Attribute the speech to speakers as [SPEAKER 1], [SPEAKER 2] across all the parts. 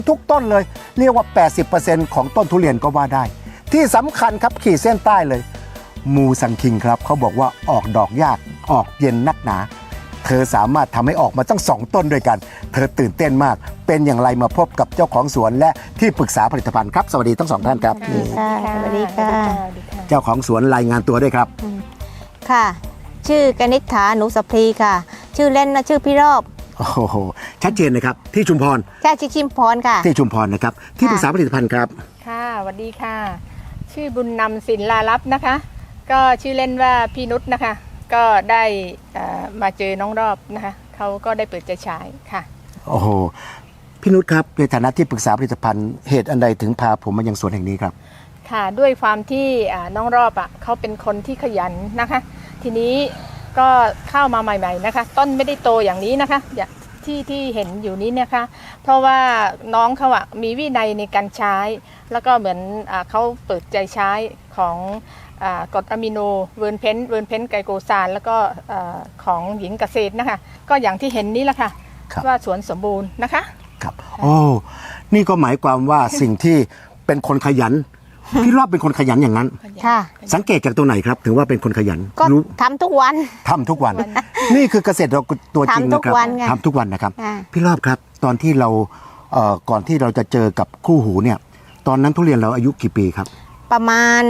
[SPEAKER 1] ทุกต้นเลยเรียกว่า 80% ของต้นทุเรียนก็ว่าได้ที่สำคัญครับขีดเส้นใต้เลยมูซังคิงครับเขาบอกว่าออกดอกยากออกเย็นนักหนาเธอสามารถทำให้ออกมาตั้ง2ต้นด้วยกันเธอตื่นเต้นมากเป็นอย่างไรมาพบกับเจ้าของสวนและที่ปรึกษาผลิตภัณฑ์ครับสวัสดีทั้งสองท่านครับ
[SPEAKER 2] สวัสดีค่ะ
[SPEAKER 1] เจ้าของสวนรายงานตัวด้วยครับ
[SPEAKER 2] ค่ะชื่อกนิษฐาหนูสัพพีค่ะชื่อเล่นนะชื่อพี่รอบ
[SPEAKER 1] โอ้โหชัดเจนนะครับที่ชุมพร
[SPEAKER 2] แค่ชิมพรค่ะ
[SPEAKER 1] ที่ชุมพรนะครับที่ปรึกษาผลิตภัณฑ์ครับ
[SPEAKER 3] ค่ะสวัสดีค่ะ ชื่อบุญนำศิลาลับนะคะ ก็ชื่อเล่นว่าพี่นุชนะคะ ก็ได้มาเจอน้องรอบนะคะเขาก็ได้เปิดใจฉายค่ะ
[SPEAKER 1] โอ้โหพี่นุชครับในฐานะที่ปรึกษาผลิตภัณฑ์เหตุอันใดถึงพาผมมายังสวนแห่งนี้ครับ
[SPEAKER 3] ค่ะด้วยความที่น้องรอบเขาเป็นคนที่ขยันนะคะ ทีนี้ก็เข้ามาใหม่ๆนะคะ ต้นไม่ได้โตอย่างนี้นะคะที่เห็นอยู่นี้นะคะ เพราะว่าน้องเขามีวินัยในการใช้ แล้วก็เหมือนเขาเปิดใจใช้ของกรดอะมิโนเวิร์นเพนไกลโกซานแล้วก็ของหญิงเกษตรนะคะก็อย่างที่เห็นนี้แหละค่ะว่าสวนสมบูรณ์นะคะ
[SPEAKER 1] ครับโอ้นี่ก็หมายความว่าสิ่งที่เป็นคนขยันพี่รอบเป็นคนขยันอย่างนั้น
[SPEAKER 2] ค่ะ
[SPEAKER 1] สังเกตจากตัวไหนครับถึงว่าเป็นคนขยัน
[SPEAKER 2] ก็
[SPEAKER 1] รู้
[SPEAKER 2] ทำทุกวัน
[SPEAKER 1] ทำทุกวัน นี่คือเกษตรตัวจริงนะครับ
[SPEAKER 2] ทำทุกวันไง
[SPEAKER 1] ทำทุกวันนะครับ
[SPEAKER 2] อ่า
[SPEAKER 1] พี่รอบครับตอนที่เราก่อนที่เราจะเจอกับคู่หูเนี่ยตอนนั้นทุเรียนเราอายุกี่ปีครับ
[SPEAKER 2] ประมาณ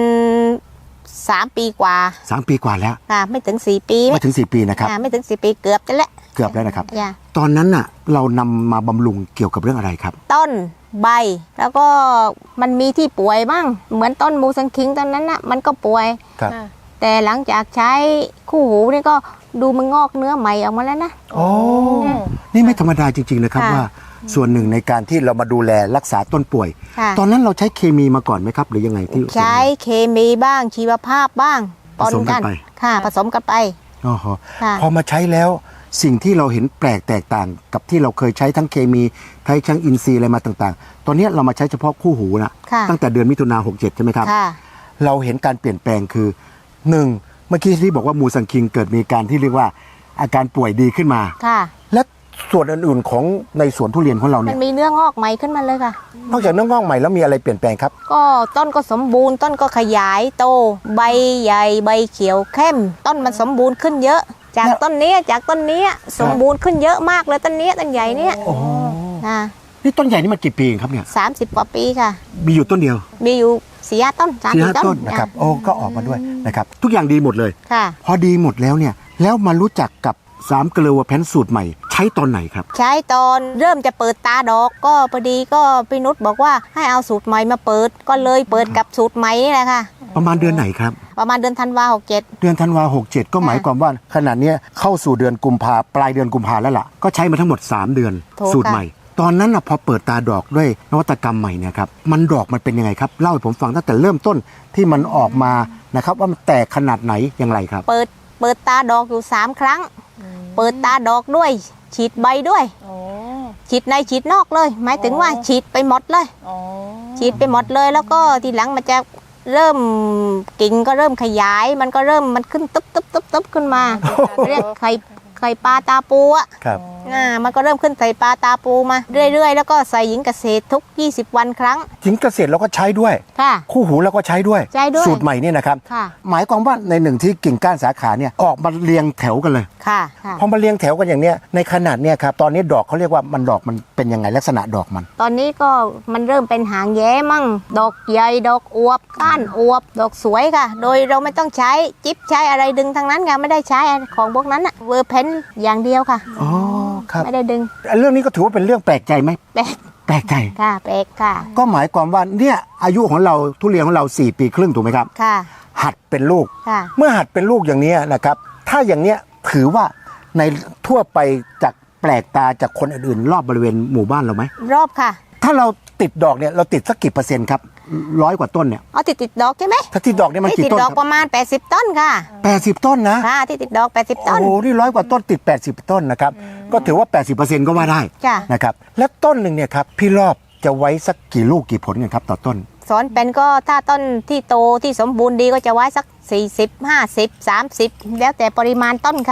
[SPEAKER 2] 3 ปีกว่า
[SPEAKER 1] 3 ปีกว่าแล้ว
[SPEAKER 2] ค่ะไม่ถึง4 ปี
[SPEAKER 1] ไม่ถึง4 ปีนะครับ
[SPEAKER 2] ไม่ถึง4 ปีเกือบจะแล้ว
[SPEAKER 1] เกือบแล้วนะครับ
[SPEAKER 2] อย่า
[SPEAKER 1] ตอนนั้นน่ะเรานำมาบำรุงเกี่ยวกับเรื่องอะไรครับ
[SPEAKER 2] ต้นใบแล้วก็มันมีที่ป่วยบ้างเหมือนต้นมูซังคิงตอนนั้นน่ะมันก็ป่วย
[SPEAKER 1] ครับ
[SPEAKER 2] แต่หลังจากใช้คู่หูนี่ก็ดูมันงอกเนื้อใหม่ออกมาแล้วนะ
[SPEAKER 1] โอ้นี่ไม่ธรรมดาจริงๆนะครับ
[SPEAKER 2] ค่ะ
[SPEAKER 1] ว่าส่วนหนึ่งในการที่เรามาดูแลรักษาต้นป่วย
[SPEAKER 2] ค่ะ
[SPEAKER 1] ตอนนั้นเราใช้เคมีมาก่อนไหมครับ หรือยังไงที่
[SPEAKER 2] ใช้เคมีบ้างชีวภาพบ้าง
[SPEAKER 1] ผสมกันไป
[SPEAKER 2] ค่ะผสมกันไป
[SPEAKER 1] อ๋อฮะ
[SPEAKER 2] ค่ะ
[SPEAKER 1] พอมาใช้แล้วสิ่งที่เราเห็นแปลกแตกต่างกับที่เราเคยใช้ทั้งเคมีใช้ทั้งอินทรีย์อะไรมาต่างๆ ตอนนี้เรามาใช้เฉพาะคู่หูนะ
[SPEAKER 2] ค่ะ
[SPEAKER 1] ตั้งแต่เดือนมิถุนา67ใช่ไหมครับ
[SPEAKER 2] ค่ะ
[SPEAKER 1] เราเห็นการเปลี่ยนแปลงคือหนึ่งเมื่อกี้ที่บอกว่ามูซังคิงเกิดมีการที่เรียกว่าอาการป่วยดีขึ้นมา
[SPEAKER 2] ค่ะ
[SPEAKER 1] และส่วนอื่นๆของในสวนทุเรียนของเรา
[SPEAKER 2] มั
[SPEAKER 1] เนี่ย
[SPEAKER 2] นมีเนื้องอกใหม่ขึ้นมาเลยค่ะ
[SPEAKER 1] นอกจากเนื้องอกใหม่แล้วมีอะไรเปลี่ยนแปลงครับ
[SPEAKER 2] ก็ต้นก็สมบูรณ์ต้นก็ขยายโต ใบใหญ่ใบเขียวเข้ม ต้นมันสมบูรณ์ขึ้นเยอะ จากต้นนี้สมบูรณ์ขึ้นเยอะมากเลยต้นใหญ่เนี่ย
[SPEAKER 1] โอ้โห
[SPEAKER 2] อ่า
[SPEAKER 1] นี่ต้นใหญ่นี่มันกี่ปีครับเนี่ย
[SPEAKER 2] 30 กว่าปีค่ะ
[SPEAKER 1] มีอยู่ต้นเดียว
[SPEAKER 2] มีอยู่4 ต้น
[SPEAKER 1] สี่ห้า
[SPEAKER 2] 30
[SPEAKER 1] ต้นนะครับโอ้ก็ออกมาด้วยนะครับทุกอย่างดีหมดเลย
[SPEAKER 2] ค่ะ
[SPEAKER 1] พอดีหมดแล้วเนี่ยแล้วมารู้จักกับ3เกลือแพนสูตรใหม่ใช้ตอนไหนครับ
[SPEAKER 2] ใช้ตอนเริ่มจะเปิดตาดอกก็พอดีก็พี่นุชบอกว่าให้เอาสูตรใหม่มาเปิดก็เลยเปิดกับสูตรใหม่นี่แหละค่ะ
[SPEAKER 1] ประมาณเดือนไหนครับ
[SPEAKER 2] ประมาณเดือนธันวา67
[SPEAKER 1] เดือนธันวา67ก็หมายความว่าขณะเนี้ยเข้าสู่เดือนกุมภาปลายเดือนกุมภาแล้วล่ะก็ใช้มาทั้งหมด3 เดือน
[SPEAKER 2] ถูก
[SPEAKER 1] สูตร
[SPEAKER 2] ค่ะ
[SPEAKER 1] ใหม่ ตอนนั้นนะพอเปิดตาดอกด้วยนวัตกรรมใหม่เนี่ยครับมันดอกมันเป็นยังไงครับเล่าให้ผมฟังตั้งแต่เริ่มต้นที่มันออกมานะครับว่ามันแตกขนาดไหนอย่างไรครับ
[SPEAKER 2] เปิดตาดอกอยู่3 ครั้ง เปิดตาดอกด้วย ฉีดใบด้วย
[SPEAKER 3] โอ้
[SPEAKER 2] ฉีดในฉีดนอกเลย หมายถึงว่าฉีดไปหมดเลย
[SPEAKER 3] โอ้
[SPEAKER 2] ฉีดไปหมดเลยแล้วก็ทีหลังมันจะเริ่มกิ่งก็เริ่มขยายมันก็เริ่มมันขึ้นตุ๊บขึ้นมา เรียกไข่ปลาตาปูอ่ะ
[SPEAKER 1] ครับ
[SPEAKER 2] มันก็เริ่มขึ้นใส่ปลาตาปูมาเรื่อยๆแล้วก็ใส่หญิงเกษตรทุก20 วันครั้ง
[SPEAKER 1] หญิงเกษตรเราก็ใช้ด้วย
[SPEAKER 2] ค่ะ
[SPEAKER 1] คู่หูเราก็ใช้ด้วย
[SPEAKER 2] ใช้ด้วย
[SPEAKER 1] สูตรใหม่เนี่ยนะครับ
[SPEAKER 2] ค่ะ
[SPEAKER 1] หมายความว่าในหนึ่งที่กิ่งก้านสาขาเนี่ยออกมาเรียงแถวกันเลย
[SPEAKER 2] ค่ะ
[SPEAKER 1] พอมาเรียงแถวกันอย่างเนี้ยในขนาดเนี่ยครับตอนนี้ดอกเขาเรียกว่ามันดอกมันเป็นยังไงลักษณะดอกมัน
[SPEAKER 2] ตอนนี้ก็มันเริ่มเป็นหางแย้มั่ง ดอกใหญ่ดอกอวบก้านอวบ ดอกสวยค่ะ โดยเราไม่ต้องใช้จิ๊บใช้อะไรดึงทั้งนั้นค่ะไม่ได้ใช้ของพวกนั้นอะเวอร์เพนอย่างเดียวค่ะ
[SPEAKER 1] อ๋อครับ
[SPEAKER 2] ไม่ได้ดึง
[SPEAKER 1] เรื่องนี้ก็ถือว่าเป็นเรื่องแปลกใจไหม
[SPEAKER 2] แปลก
[SPEAKER 1] แปลกใจ
[SPEAKER 2] ค่ะแปลกค่ะ
[SPEAKER 1] ก็หมายความว่าเนี่ยอายุของเราทุเรียนของเรา4 ปีครึ่งถูกไหมครับ
[SPEAKER 2] ค่ะ
[SPEAKER 1] หัดเป็นลูก
[SPEAKER 2] ค่ะ
[SPEAKER 1] เมื่อหัดเป็นลูกอย่างนี้นะครับถ้าอย่างเนี้ยถือว่าในทั่วไปจากแปลกตาจากคนอื่นๆรอบบริเวณหมู่บ้านเราไหม
[SPEAKER 2] รอบค่ะ
[SPEAKER 1] ถ้าเราติดดอกเนี่ยเราติดสักกี่เปอร์เซ็นต์ครับ100 กว่าต้นเนี่ย
[SPEAKER 2] เอาติดดอกใช่ไหม
[SPEAKER 1] ถ้าติดดอกเนี่ยมัน
[SPEAKER 2] ที่
[SPEAKER 1] กี่
[SPEAKER 2] ติด
[SPEAKER 1] ต้น
[SPEAKER 2] ด
[SPEAKER 1] ค
[SPEAKER 2] อ
[SPEAKER 1] รั
[SPEAKER 2] กประมาณ80 ต้นค่ะ
[SPEAKER 1] 80 ต้นนะ
[SPEAKER 2] ค่ะที่ติดดอก80 ต้น
[SPEAKER 1] โอ้โหนี่100 กว่าต้นติด 80 ต้นนะครับก็ถือว่า 80%ก็ว่าได้
[SPEAKER 2] จ้ะ
[SPEAKER 1] นะครับและต้นหนึ่งเนี่ยครับพี่รอบจะไว้สักกี่ลูกกี่ผลกันครับต่อต้น
[SPEAKER 2] สอนเป็นก็ถ้าต้นที่โตที่สมบูรณ์ดีก็จะไว้สัก40 50 30 แล้วแต่ปริมาณต้นค่ะ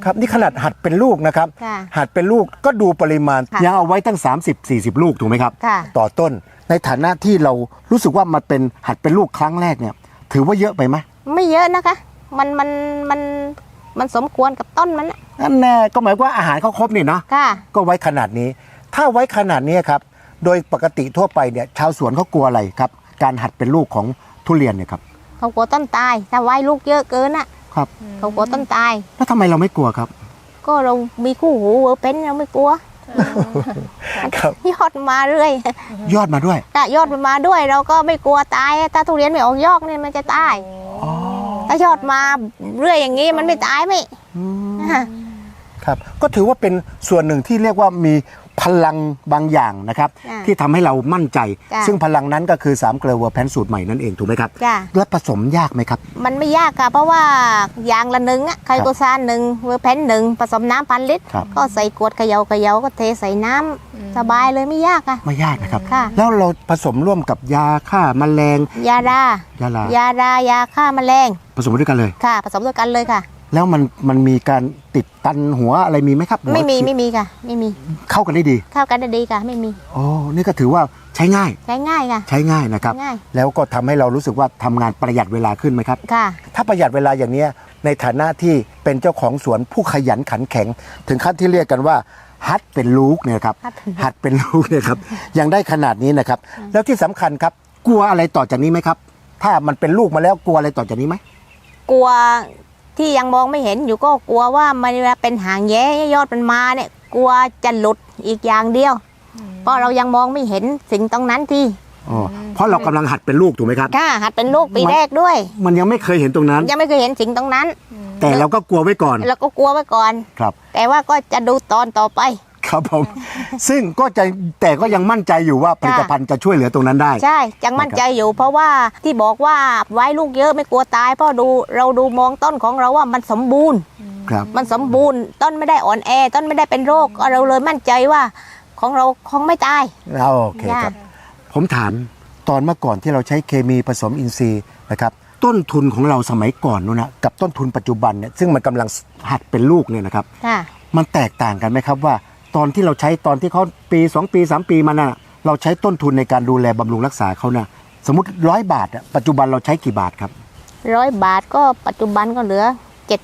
[SPEAKER 1] ครับนี่ขนาดหัดเป็นลูกนะครับ
[SPEAKER 2] ค่ะ
[SPEAKER 1] หัดเป็นลูกก็ดูปริมาณ
[SPEAKER 2] ค่ะ
[SPEAKER 1] ยังเอาไว้ตั้ง 30-40 ลูกถูกไหมครับ
[SPEAKER 2] ค่ะ
[SPEAKER 1] ต่อต้นในฐานะที่เรารู้สึกว่ามันเป็นหัดเป็นลูกครั้งแรกเนี่ยถือว่าเยอะไปไหม
[SPEAKER 2] ไม่เยอะนะคะ มันสมควรกับต้นมันน่ะ
[SPEAKER 1] นั่นแน่ก็หมายว่าอาหารเขาครบนี่เนาะ
[SPEAKER 2] ค่ะ
[SPEAKER 1] ก็ไว้ขนาดนี้ ถ้าไว้ขนาดนี้ครับโดยปกติทั่วไปเนี่ยชาวสวนเขากลัวอะไรครับการหัดเป็นลูกของทุเรียนเนี่ยครับ
[SPEAKER 2] เขากลัวต้นตาย ถ้าไว้ลูกเยอะเกินอ่ะ
[SPEAKER 1] ครับ
[SPEAKER 2] เขากลัวต้นตาย
[SPEAKER 1] แล้วทำไมเราไม่กลัวครับ
[SPEAKER 2] ก็เรามีคู่หูเวอร์เพนเราไม่กลัว
[SPEAKER 1] ครับ
[SPEAKER 2] ยอดมาเรื่อย
[SPEAKER 1] ยอดมาด้วย
[SPEAKER 2] ถ้ายอดมันมาด้วยเราก็ไม่กลัวตาย ถ้าทุเรียนไม่ออกยอดเนี่ยมันจะตาย ถ้ายอดมาเรื่อยอย่างนี้มันไม่ตายไม่อ่ะ
[SPEAKER 1] ครับก็ถือว่าเป็นส่วนหนึ่งที่เรียกว่ามีพลังบางอย่างนะครับ
[SPEAKER 2] จ้ะ
[SPEAKER 1] ที่ทำให้เรามั่นใจ
[SPEAKER 2] จ้ะ
[SPEAKER 1] ซึ่งพลังนั้นก็คือ3เกลือเวอร์แพนสูตรใหม่นั่นเองถูกไหมครับ
[SPEAKER 2] จ้ะ
[SPEAKER 1] และผสมยากไหมครับ
[SPEAKER 2] มันไม่ยากค่ะ เพราะว่าอย่างละหนึ่งอะไคโตซานหนึ่งเวอร์เพนหนึ่งผสมน้ำ1,000 ลิตร
[SPEAKER 1] ครับ
[SPEAKER 2] ก็ใส่ขวดเขย่าก็เทใส่น้ำสบายเลยไม่ยากค่ะ
[SPEAKER 1] ไม่ยากนะครับ
[SPEAKER 2] ค่ะ
[SPEAKER 1] แล้วเราผสมร่วมกับยาฆ่าแมลง
[SPEAKER 2] ยาดาย
[SPEAKER 1] าลาย
[SPEAKER 2] าฆ่าแมลง
[SPEAKER 1] ผสมด้วยกันเลย
[SPEAKER 2] ค่ะ ผสมด้วยกันเลยค่ะ
[SPEAKER 1] แล้วมันมีการติดตันหัวอะไรมีไหมครับหัว
[SPEAKER 2] ไม่มีค่ะ ไม่มี
[SPEAKER 1] เข้ากันได้ดี
[SPEAKER 2] เข้ากันได้ดีค่ะ ไม่มี
[SPEAKER 1] โอ้นี่ก็ถือว่าใช้ง่าย
[SPEAKER 2] ใช้ง่ายค่ะ
[SPEAKER 1] ใช้ง่ายนะครับ
[SPEAKER 2] ง่าย
[SPEAKER 1] แล้วก็ทำให้เรารู้สึกว่าทำงานประหยัดเวลาขึ้นไหมครับ
[SPEAKER 2] ค่ะ
[SPEAKER 1] ถ้าประหยัดเวลาอย่างเนี้ยในฐานะที่เป็นเจ้าของสวนผู้ขยันขันแข็ง ถึงขั้นที่เรียกกันว่าฮัดเป็นลูกเนี่ยครับ หัดเป็นลูกเนี่ยครับ ยังได้ขนาดนี้นะครับ แล้วที่สำคัญครับกลัวอะไรต่อจากนี้ไหมครับ ถ้ามันเป็นลูกมาแล้วกลัวอะไรต่อจากนี้ไหม
[SPEAKER 2] กลัวที่ยังมองไม่เห็นอยู่ก็กลัวว่ามันเวลาเป็นหางแย้ยอดมันมาเนี่ย กลัวจะหลุดอีกอย่างเดียว เพราะเรายังมองไม่เห็นสิ่งตรงนั้นที่
[SPEAKER 1] อ๋อเพราะเรากำลังหัดเป็นลูกถูกไหมครับ
[SPEAKER 2] ค่ะหัดเป็นลูกปีแรกด้วย
[SPEAKER 1] มันยังไม่เคยเห็นตรงนั้น
[SPEAKER 2] ยังไม่เคยเห็นสิ่งตรงนั้น
[SPEAKER 1] แต่เราก็กลัวไว้ก่อน
[SPEAKER 2] เราก็กลัวไว้ก่อน
[SPEAKER 1] ครับ
[SPEAKER 2] แต่ว่าก็จะดูตอนต่อไป
[SPEAKER 1] ครับผม ซึ่งก็จะแต่ก็ยังมั่นใจอยู่ว่าผลิตภัณฑ์จะช่วยเหลือตรงนั้นได้
[SPEAKER 2] ใช่ยังมั่นใจอยู่ เพราะว่าที่บอกว่าไว้ลูกเยอะไม่กลัวตาย เพราะเราดูมองต้นของเราว่ามันสมบูรณ์
[SPEAKER 1] ครับ
[SPEAKER 2] มันสมบูรณ์ต้นไม่ได้อ่อนแอ ต้นไม่ได้เป็นโรคเราเลยมั่นใจว่าของเราคงไม่ตาย
[SPEAKER 1] โอเคครับ ผมถามตอนเมื่อก่อนที่เราใช้เคมีผสมอินทรีย์นะครับต้นทุนของเราสมัยก่อนนู้นนะกับต้นทุนปัจจุบันเนี่ยซึ่งมันกำลังหัดเป็นลูกเนี่ยนะครับ
[SPEAKER 2] ค่ะ
[SPEAKER 1] มันแตกต่างกันไหมครับว่า ตอนที่เราใช้ตอนที่เขาปี 2 ปี 3 ปีมาน่ะเราใช้ต้นทุนในการดูแลบำรุงรักษาเขานะสมมติ100 บาทอะปัจจุบันเราใช้กี่บาทครับ
[SPEAKER 2] 100 บาทก็ปัจจุบันก็เหลือ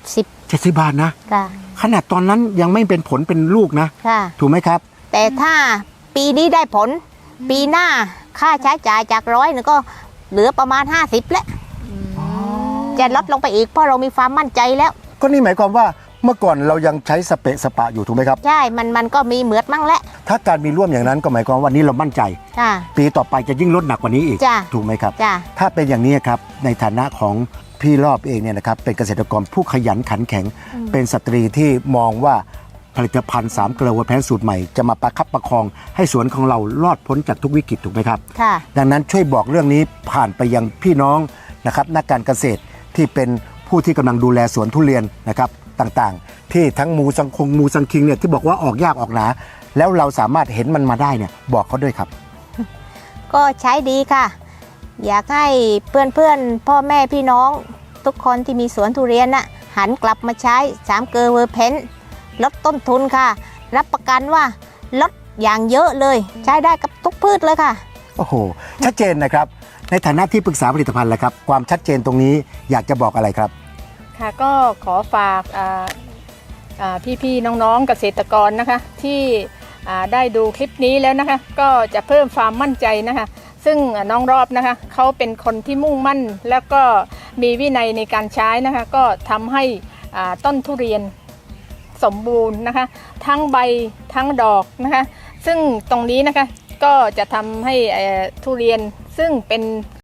[SPEAKER 2] 70
[SPEAKER 1] 70 บาทนะ
[SPEAKER 2] ค่ะ
[SPEAKER 1] ขนาดตอนนั้นยังไม่เป็นผลเป็นลูกนะ
[SPEAKER 2] ค่ะ
[SPEAKER 1] ถูกไหมครับ
[SPEAKER 2] แต่ถ้าปีนี้ได้ผล ปีหน้าค่าใช้จ่ายจาก100นึงก็เหลือประมาณ 50แล้วจะลดลงไปอีกเพราะเรามีความมั่นใจแล้ว
[SPEAKER 1] ก็นี่หมายความว่าเมื่อก่อนเรายังใช้สเปะสปะอยู่ถูกไหมครับ
[SPEAKER 2] ใช่ มันก็มีเหมือดมั่งแหละ
[SPEAKER 1] ถ้าการมีร่วมอย่างนั้นก็หมายความว่าวันนี้เรามั่นใจ
[SPEAKER 2] ค่ะ
[SPEAKER 1] ปีต่อไปจะยิ่งลดหนักกว่านี้อีก
[SPEAKER 2] จ้ะ
[SPEAKER 1] ถูกไหมครับ
[SPEAKER 2] จ้ะ
[SPEAKER 1] ถ้าเป็นอย่างนี้ครับในฐานะของพี่รอบเองเนี่ยนะครับเป็นเกษตรกรผู้ขยันขันแข็ง เป็นสตรีที่มองว่าผลิตภัณฑ์3เกลือเวอร์แพนสูตรใหม่จะมาประคับประคองให้สวนของเรารอดพ้นจากทุกวิกฤตถูกไหมครับ
[SPEAKER 2] ค่ะ
[SPEAKER 1] ดังนั้นช่วยบอกเรื่องนี้ผ่านไปยังพี่น้องนะครับนักการเกษตรที่เป็นผู้ที่กำลังดูแลสวนทุเรียนนะครับต่างๆ ที่ทั้งมูสังคิงเนี่ยที่บอกว่าออกยากออกหนาแล้วเราสามารถเห็นมันมาได้เนี่ยบอกเขาด้วยครับ
[SPEAKER 2] ก็ใช้ดีค่ะ อยากให้เพื่อนๆ พ่อแม่พี่น้องทุกคนที่มีสวนทุเรียนน่ะหันกลับมาใช้3เกลือเวอร์เพนลดต้นทุนค่ะ รับประกันว่าลดอย่างเยอะเลย ใช้ได้กับทุกพืชเลยค่ะ
[SPEAKER 1] โอ้โหชัดเจนนะครับในฐานะที่ปรึกษาผลิตภัณฑ์แหละครับความชัดเจนตรงนี้อยากจะบอกอะไรครับ
[SPEAKER 3] ค่ะก็ขอฝากพี่ๆน้องๆเกษตรกรนะคะที่ได้ดูคลิปนี้แล้วนะคะก็จะเพิ่มความมั่นใจนะคะซึ่งน้องรอบนะคะเขาเป็นคนที่มุ่งมั่นแล้วก็มีวินัยในการใช้นะคะก็ทำให้ต้นทุเรียนสมบูรณ์นะคะทั้งใบทั้งดอกนะคะซึ่งตรงนี้นะคะก็จะทำให้ทุเรียนซึ่งเป็น